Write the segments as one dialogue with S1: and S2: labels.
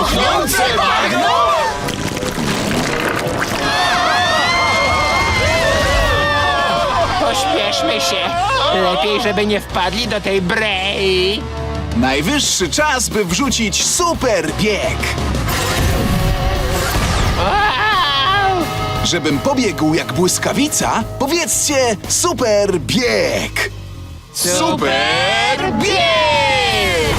S1: Cuchnące bagno?
S2: Pośpieszmy się. Lepiej, żeby nie wpadli do tej brei.
S3: Najwyższy czas, by wrzucić super bieg.
S2: Wow!
S3: Żebym pobiegł jak błyskawica, powiedzcie super bieg.
S2: Super bieg!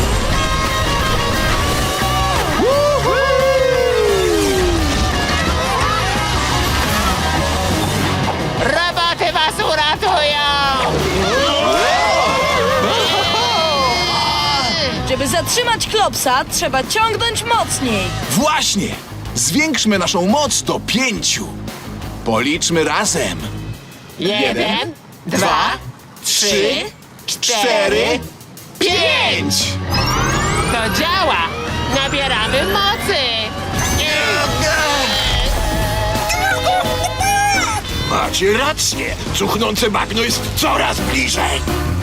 S2: Roboty was uratują!
S4: Żeby zatrzymać Klopsa, trzeba ciągnąć mocniej.
S3: Właśnie! Zwiększmy naszą moc do 5. Policzmy razem.
S2: 1, 2, 3, 4,
S3: 5!
S2: To działa! Nabieramy mocy!
S1: Macie rację. Cuchnące bagno jest coraz bliżej.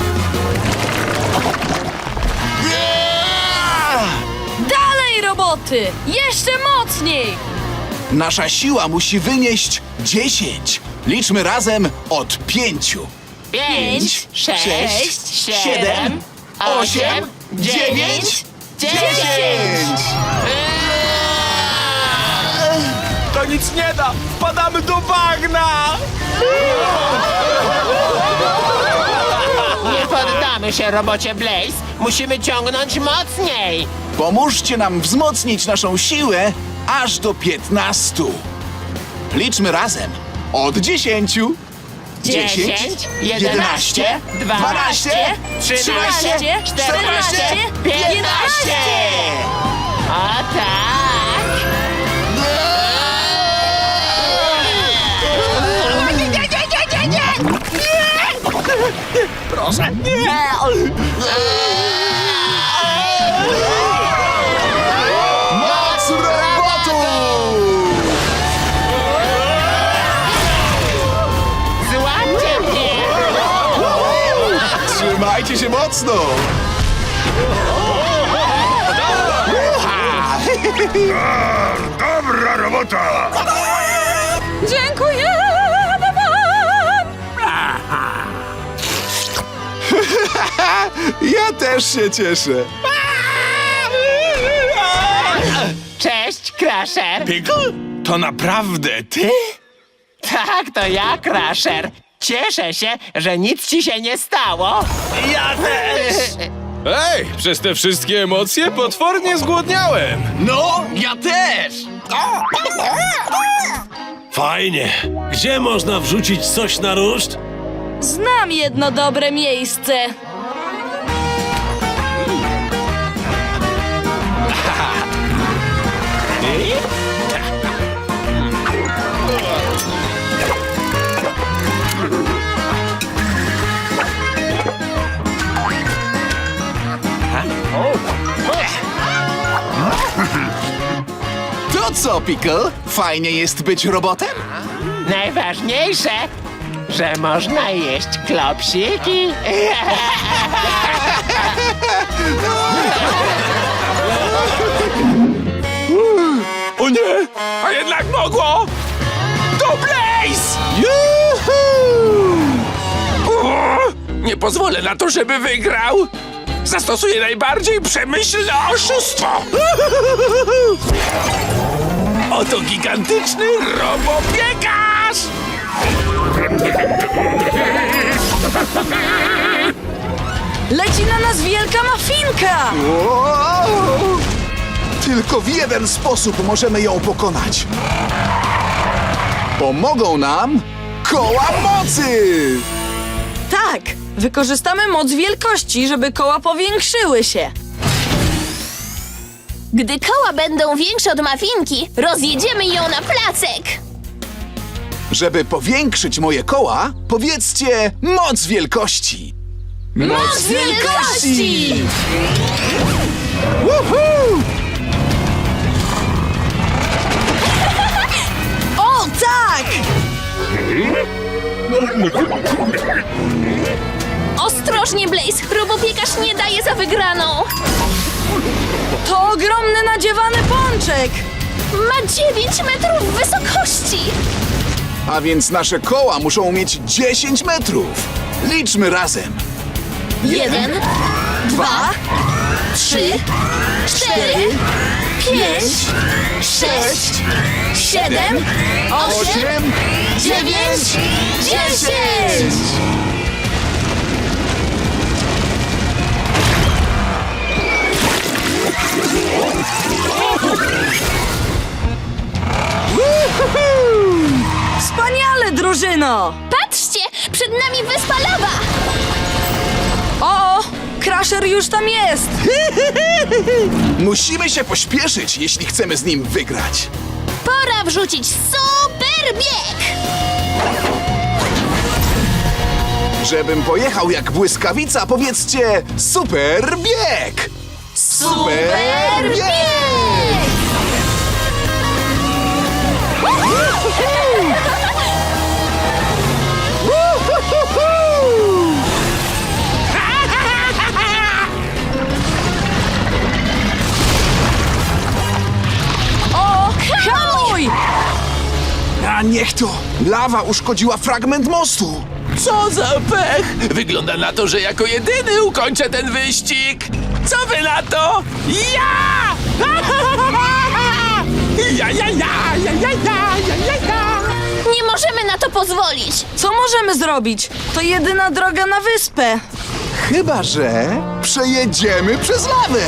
S4: Dalej, roboty! Jeszcze mocniej!
S3: Nasza siła musi wynieść 10. Liczmy razem od 5.
S2: 5, 6, 7, 8, 9, 10!
S1: To nic nie da. Wpadamy do bagna.
S2: Nie poddamy się, robocie Blaze. Musimy ciągnąć mocniej.
S3: Pomóżcie nam wzmocnić naszą siłę aż do 15. Liczmy razem od 10.
S2: 10, 11, 12, 13, 14, 15! O tak!
S1: Proszę, nie.
S3: Moc robotu!
S2: Złapcie mnie!
S3: Trzymajcie się mocno!
S1: Dobra robota.
S4: Dziękujemy wam!
S3: Ja też się cieszę.
S2: Cześć, Crusher!
S1: Pickle? To naprawdę ty?
S2: Tak, to ja, Crusher. Cieszę się, że nic ci się nie stało.
S1: Ja też.
S5: Ej, przez te wszystkie emocje potwornie zgłodniałem.
S1: No, ja też.
S6: Fajnie. Gdzie można wrzucić coś na ruszt?
S4: Znam jedno dobre miejsce.
S3: To co, Pickle? Fajnie jest być robotem?
S2: Najważniejsze, że można jeść klopsiki.
S1: O nie, a jednak mogło. To Blaze. O, nie pozwolę na to, żeby wygrał. Zastosuję najbardziej przemyślne oszustwo. Oto gigantyczny robopiekarz.
S4: Leci na nas wielka mafinka!
S3: Wow! Tylko w jeden sposób możemy ją pokonać. Pomogą nam koła mocy!
S4: Tak! Wykorzystamy moc wielkości, żeby koła powiększyły się.
S7: Gdy koła będą większe od mafinki, rozjedziemy ją na placek.
S3: Żeby powiększyć moje koła, powiedzcie moc wielkości.
S4: Moc wielkości!
S3: Woohoo!
S4: O, tak!
S7: Ostrożnie, Blaze! Robopiekarz nie daje za wygraną!
S4: To ogromny nadziewany pączek!
S7: Ma 9 metrów wysokości!
S3: A więc nasze koła muszą mieć 10 metrów. Liczmy razem.
S7: 1,
S4: 2,
S7: 3, 4, 5, 6, 7, 8, 9, 10!
S4: Wspaniale, drużyno!
S7: Patrzcie! Przed nami wyspa lawa!
S4: O, Crusher już tam jest!
S3: Musimy się pośpieszyć, jeśli chcemy z nim wygrać.
S7: Pora wrzucić super bieg!
S3: Żebym pojechał jak błyskawica, powiedzcie super bieg! Super bieg!
S4: O, hamuj!
S3: A niech to! Lawa uszkodziła fragment mostu!
S1: Co za pech! Wygląda na to, że jako jedyny ukończę ten wyścig! Co wy na to? Ja! Ja, ja, ja, ja, ja, ja, ja, ja, ja.
S7: Nie możemy na to pozwolić!
S4: Co możemy zrobić? To jedyna droga na wyspę.
S3: Chyba że przejedziemy przez lawę!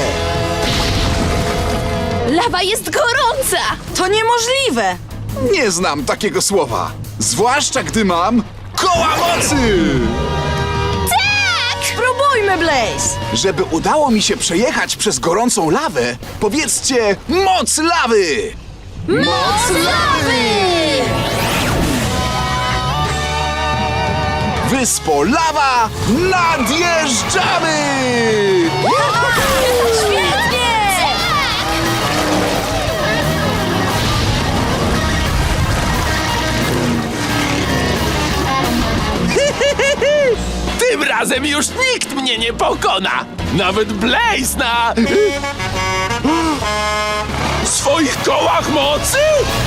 S7: Lawa jest gorąca!
S4: To niemożliwe!
S3: Nie znam takiego słowa. Zwłaszcza gdy mam koła mocy!
S4: Spróbujmy, Blaze!
S3: Żeby udało mi się przejechać przez gorącą lawę, powiedzcie moc lawy!
S7: Moc lawy!
S3: Wyspo lawa, nadjeżdżamy!
S4: Świetnie!
S1: Tym razem już nikt mnie nie pokona! Nawet Blaze na... swoich kołach mocy?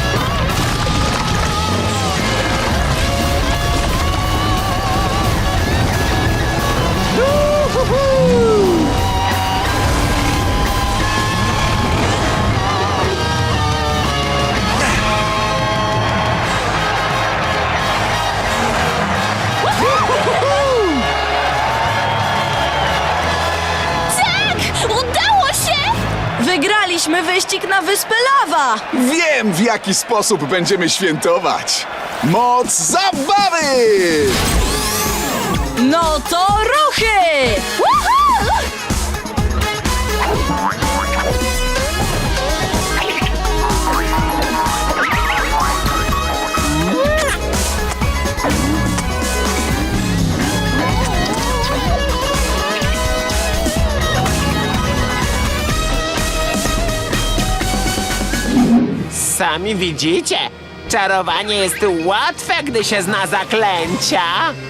S7: Tak! Udało się!
S4: Wygraliśmy wyścig na wyspę Lawa!
S3: Wiem, w jaki sposób będziemy świętować! Moc zabawy!
S4: No to ruchy!
S7: Woohoo!
S2: Sami widzicie, czarowanie jest łatwe, gdy się zna zaklęcia.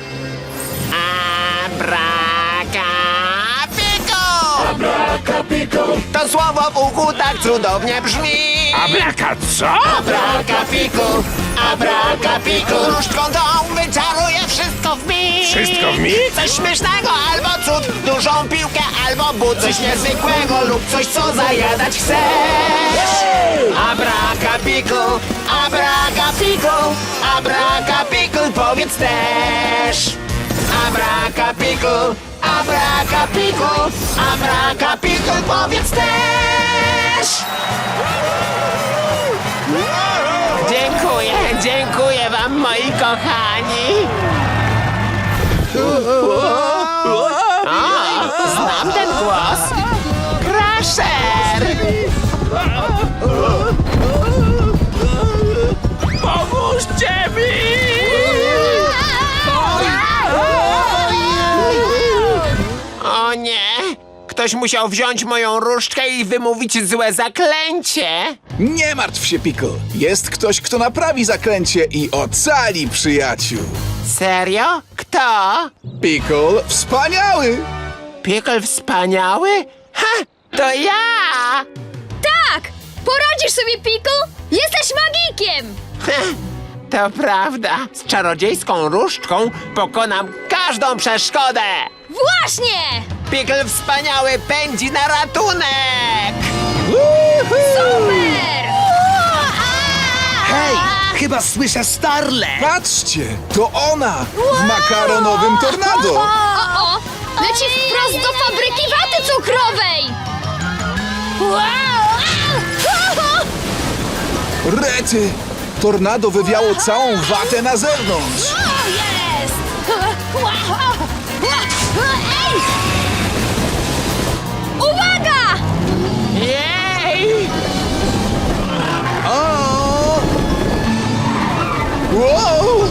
S2: Abracapiko! To słowo w uchu tak cudownie brzmi.
S1: Abraka co?
S2: Abracapiko! Abracapiko! Różdżką tą wyczaruje wszystko w mig.
S1: Wszystko w mig?
S2: Coś śmiesznego albo cud, dużą piłkę albo but, coś niezwykłego lub coś, co zajadać chcesz. Abracapiko! Abracapiko! Abracapiko! Powiedz też. Abracapiko! Abracapiko! Abracapiko! Powiedz też. Dziękuję, dziękuję wam, moi kochani. O, znam ten głos. Crusher!
S1: Pomóżcie mi!
S2: O nie! Ktoś musiał wziąć moją różdżkę i wymówić złe zaklęcie.
S3: Nie martw się, Pickle. Jest ktoś, kto naprawi zaklęcie i ocali przyjaciół.
S2: Serio? Kto?
S3: Pickle wspaniały!
S2: Pickle wspaniały? Ha! To ja!
S7: Tak! Poradzisz sobie, Pickle? Jesteś magikiem!
S2: To prawda. Z czarodziejską różdżką pokonam każdą przeszkodę.
S7: Właśnie!
S2: Pickle wspaniały pędzi na ratunek!
S7: Super!
S6: Hej, chyba słyszę Starle!
S3: Patrzcie, to ona w makaronowym tornado.
S7: O! Leci wprost do fabryki waty cukrowej!
S3: Rety, tornado wywiało całą watę na zewnątrz.
S7: O, jest! Ej! Uwaga!
S2: Jej!
S3: O! Wow!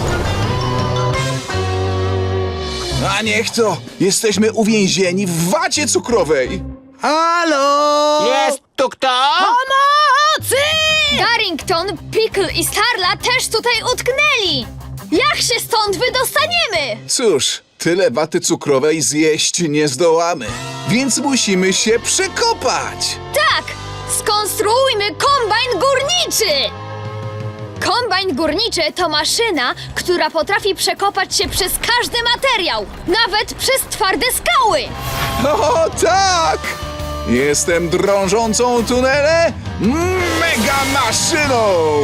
S3: A niech to! Jesteśmy uwięzieni w wacie cukrowej!
S6: Halo!
S2: Jest tu kto?
S7: Pomocy! Darrington, Pickle i Starla też tutaj utknęli! Jak się stąd wydostaniemy?
S3: Cóż, tyle waty cukrowej zjeść nie zdołamy, więc musimy się przekopać!
S7: Tak! Skonstruujmy kombajn górniczy! Kombajn górniczy to maszyna, która potrafi przekopać się przez każdy materiał, nawet przez twarde skały!
S3: O tak! Jestem drążącą tunele mega maszyną!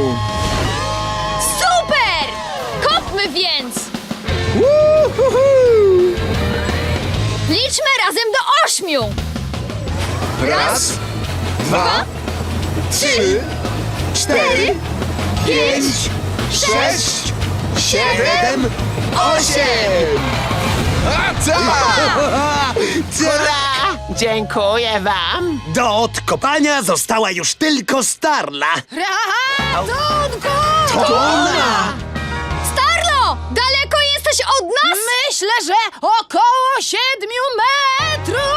S7: Super! Kopmy więc!
S3: Uhuhu!
S7: Liczmy razem do 8!
S3: Raz, dwa, trzy, cztery, pięć, sześć, siedem, osiem! A tak!
S2: Hurra! Dziękuję wam.
S6: Do odkopania została już tylko Starla.
S7: Ratunku!
S3: To ona!
S7: Starlo! Daleko jesteś od nas? Myślę, że około 7 metrów!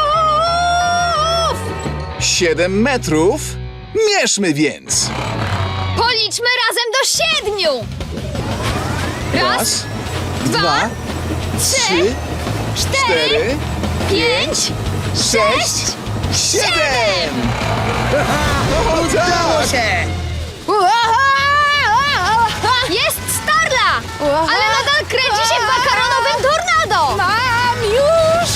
S3: 7 metrów? Mierzmy więc!
S7: Policzmy razem do 7! Raz,
S3: dwa, trzy,
S7: 4, 5,
S3: 6, 7! O tak!
S7: Jest Starla! Ale nadal kręci się w makaronowym tornado! Mam już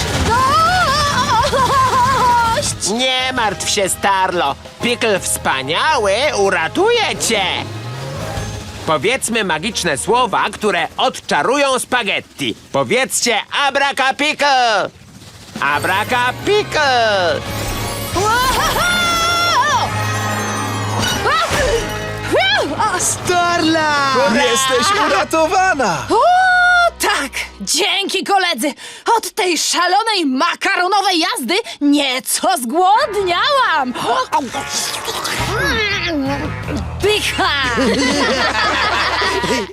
S7: dość!
S2: Nie martw się, Starlo. Pickle wspaniały uratuje cię. Powiedzmy magiczne słowa, które odczarują spaghetti. Powiedzcie abracappickle! Abracappickle!
S6: Starla!
S3: Jesteś uratowana!
S4: O, tak! Dzięki, koledzy! Od tej szalonej makaronowej jazdy nieco zgłodniałam! Pycha!